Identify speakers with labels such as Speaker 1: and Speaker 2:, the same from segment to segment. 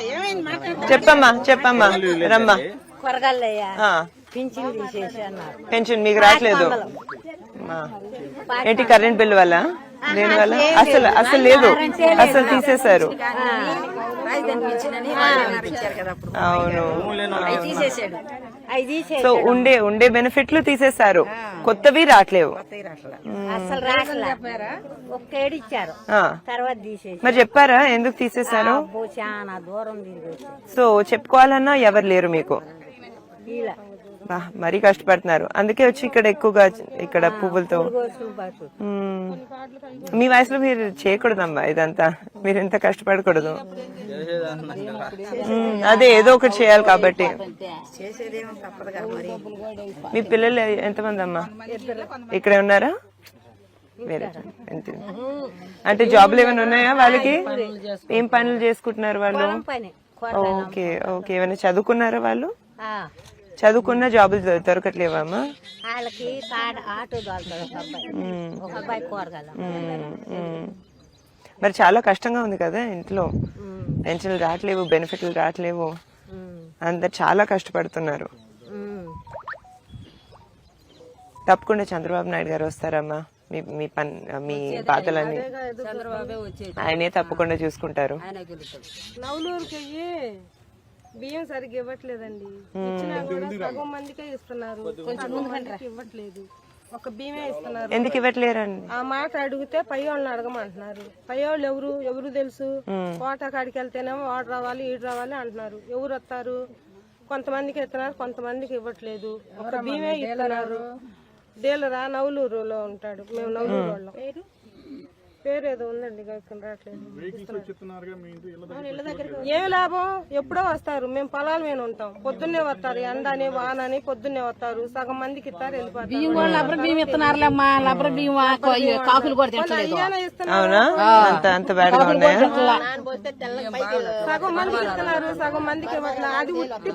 Speaker 1: చెప్పమ్మా చెప్పమ్మా రమ్మా. పెన్షన్ మీకు రావట్లేదు ఏంటి? కరెంట్ బిల్ వల్ల దేని వల్ల? అసలు అసలు లేదు, అసలు తీసేశారు. అవును, సో ఉండే బెనిఫిట్లు తీసేశారు, కొత్తవి రావట్లేవు. మరి చెప్పారా ఎందుకు తీసేశారు? సో చెప్పుకోవాలన్నా ఎవరు లేరు మీకు, మరీ కష్టపడుతున్నారు. అందుకే వచ్చి ఇక్కడ ఎక్కువగా ఇక్కడ పువ్వులతో. మీ వయసులో మీరు చేయకూడదమ్మా ఇదంతా, మీరు ఎంత కష్టపడకూడదు. అదే ఏదో ఒకటి చేయాలి కాబట్టి. మీ పిల్లలు ఎంతమంది అమ్మా? ఇక్కడే ఉన్నారా? వేరే అంటే జాబ్లు ఏమైనా ఉన్నాయా వాళ్ళకి? ఏం పనులు చేసుకుంటున్నారు వాళ్ళు? ఓకే ఓకే, ఏమైనా చదువుకున్నారా వాళ్ళు? చదువుకున్న జాబులు దొరకట్లేవమ్మా? మరి చాలా కష్టంగా ఉంది కదా ఇంట్లో, పెన్షన్లు రావట్లేవు, బెనిఫిట్లు రావట్లేవు, అందరు చాలా కష్టపడుతున్నారు. తప్పకుండా చంద్రబాబు నాయుడు గారు వస్తారమ్మా, మీ బాధలన్నీ ఆయనే తప్పకుండా చూసుకుంటారు.
Speaker 2: బియ్యం సరిగ్గా ఇవ్వట్లేదండి, ఇచ్చినా కూడా సగం మందికే ఇస్తున్నారు, సగం మందికి ఇవ్వట్లేదు, ఒక బియ్యమే ఇస్తున్నారు.
Speaker 1: ఎందుకు ఇవ్వట్లేరండి?
Speaker 2: ఆ మాట అడిగితే పై వాళ్ళని అడగమంటున్నారు. పై వాళ్ళు ఎవరు తెలుసు? కోట కాడికి వెళ్తేనేమో వాడు రావాలి ఈడు రావాలి అంటున్నారు. ఎవరు వస్తారు? కొంతమందికి ఇస్తున్నారు, కొంతమందికి ఇవ్వట్లేదు, ఒక బియ్యమే ఇస్తున్నారు. డీలరా నవలూరులో ఉంటాడు, మేము నవలూరు వాళ్ళం. పేరు ఏదో ఉందండి, రావట్లేదు. ఏమి లాభం? ఎప్పుడో వస్తారు, మేము పొలాల మీద ఉంటాం, పొద్దున్నే వస్తారు, ఎండని వానని పొద్దున్నే వస్తారు, సగం మందికి ఇస్తారు, వెళ్ళిపోతారు. సగం మందికి ఇస్తున్నారు, సగం మందికి ఇవ్వట్లేదు. అది ఉట్టి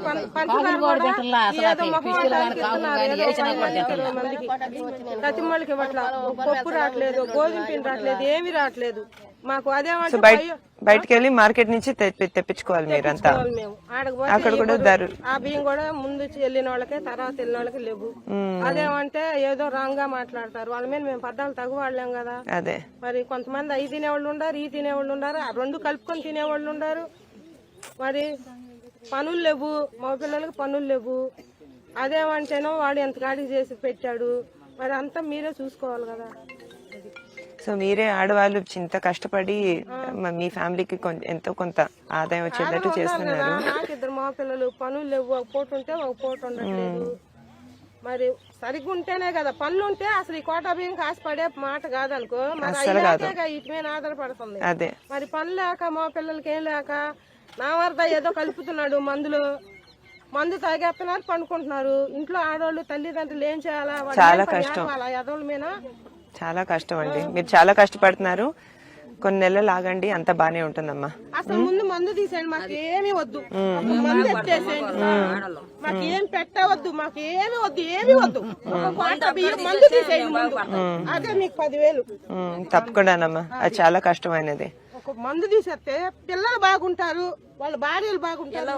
Speaker 2: కతిమ్మలకి ఇవ్వట్లేదు, పప్పు రావట్లేదు, గోధుమ పిండి రావట్లేదు, ఏమి రావట్లేదు మాకు. అదే
Speaker 1: బయటకు వెళ్ళి మార్కెట్ నుంచి తెప్పించుకోవాలి మీరంతా. అక్కడ కూడా
Speaker 2: ఆ బియ్యం కూడా ముందు వెళ్ళిన వాళ్ళకే తర్వాత వెళ్ళిన వాళ్ళకి లేవు. అదేమంటే ఏదో రాంగ్ గా మాట్లాడతారు, వాళ్ళ మీద మేము పద్దాలు తగు వాళ్ళేం కదా.
Speaker 1: అదే
Speaker 2: మరి కొంతమంది అవి తినేవాళ్ళు ఉండారు, ఈ తినేవాళ్ళు ఉండారు, ఆ రెండు కలుపుకొని తినేవాళ్ళు ఉండారు. మరి పనులు లేవు, మా పిల్లలకి పనులు లేవు. అదేమంటేనో వాడు ఎంత కాడికి చేసి పెట్టాడు, మరి అంతా మీరే చూసుకోవాలి కదా.
Speaker 1: సో మీరే ఆడవాళ్ళు చింత కష్టపడి మీ ఫ్యామిలీకి ఎంతో కొంత ఆదాయం వచ్చేటట్టు చేస్తున్నారు.
Speaker 2: నాకు ఇద్దరు మా పిల్లలు, పనులు లేవు, ఒక పూట ఉంటే ఒక పూట ఉండట్లేదు. మరి సరిగ్గా ఉంటేనే కదా, పనులు ఉంటే అసలు ఈ కోటా బియ్యం కాసిపడే మాట కాదనుకో, మరి ఇటు మీద ఆధారపడుతుంది.
Speaker 1: అదే
Speaker 2: మరి పనులు లేక మా పిల్లలకి ఏం లేక నా వరద ఏదో కలుపుతున్నాడు మందు తాగేస్తున్నారు, పండుకుంటున్నారు. ఇంట్లో ఆడవాళ్ళు తల్లిదండ్రులు ఏం చేయాలా?
Speaker 1: చాలా కష్టం,
Speaker 2: ఎదవల మీద
Speaker 1: చాలా కష్టం అండి. మీరు చాలా కష్టపడుతున్నారు, కొన్ని నెలలు ఆగండి, అంత బానే ఉంటుందమ్మా.
Speaker 2: అసలు ముందు మందు తీసేయండి, మాకు ఏమి వద్దు, మందు ఎత్తేసేయండి, మాకు ఏం పెట్టవద్దు, మాకు ఏమి వద్దు, ఏమి వద్దు, మందు తీసేయండి ముందు, అదే మీకు 10,000.
Speaker 1: తప్పకుండానమ్మా, అది చాలా కష్టమైనది.
Speaker 2: ఒక మందు తీసేస్తే పిల్లలు బాగుంటారు, వాళ్ళ భార్యలు బాగుంటారు,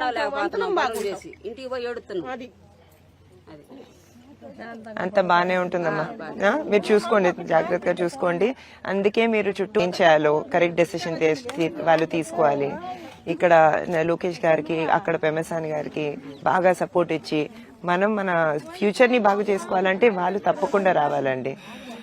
Speaker 2: అది
Speaker 1: అంత బానే ఉంటుందమ్మా. మీరు చూసుకోండి, జాగ్రత్తగా చూసుకోండి. అందుకే మీరు చుట్టూ ఏం చేయాలో కరెక్ట్ డెసిషన్ వాళ్ళు తీసుకోవాలి. ఇక్కడ లోకేష్ గారికి, అక్కడ పెమసాని గారికి బాగా సపోర్ట్ ఇచ్చి మనం మన ఫ్యూచర్ ని బాగు చేసుకోవాలంటే వాళ్ళు తప్పకుండా రావాలండి.